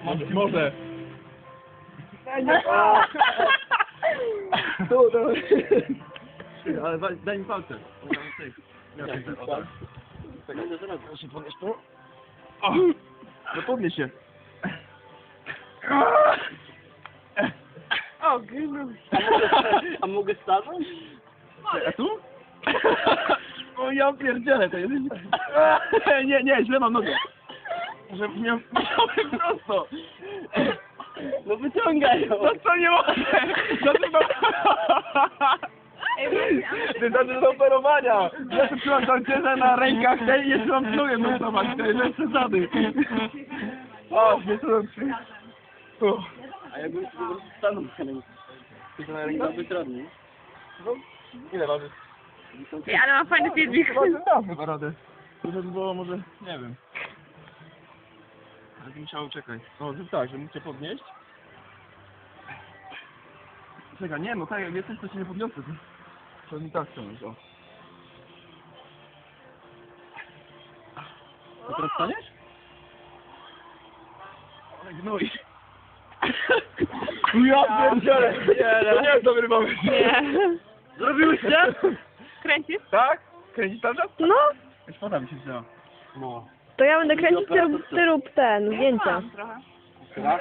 Może. Ale daj mi palce. Proszę podnieść to. No podnieś się. O, grynu. A mogę stanąć? A tu? O ja pierdzielę, to jest... Nie, źle mam nogę. Że miałem prosto. No wyciągaj ją. No co nie mogę? Ty znaczy do operowania. Ja tu trzymam tancerze na rękach tej i jeszcze mam nogę nosować. To jest przesady. O, nie co A jakbym sobie po prostu stanął na rękę. To na rękę byłoby trudniej. Ile waży? Ej, ale ma fajny filmik. Chyba radę. To by było może, nie wiem. Ale bym musiał, czekaj. No, że tak, że mógł cię podnieść. Czekaj, nie, no tak, jak jesteś, to się nie podniosę. To nie tak chciałeś, o. To teraz staniesz? Ale gnój. Ja pierdzielę! To nie jest dobry pomysł. Nie. Zrobiłyście? Kręcisz? Tak? Kręcisz tam czas? No, Już woda mi się wzięła. No. to ja będę kręcić, ty rób ten, zdjęcia. Trochę. Raz.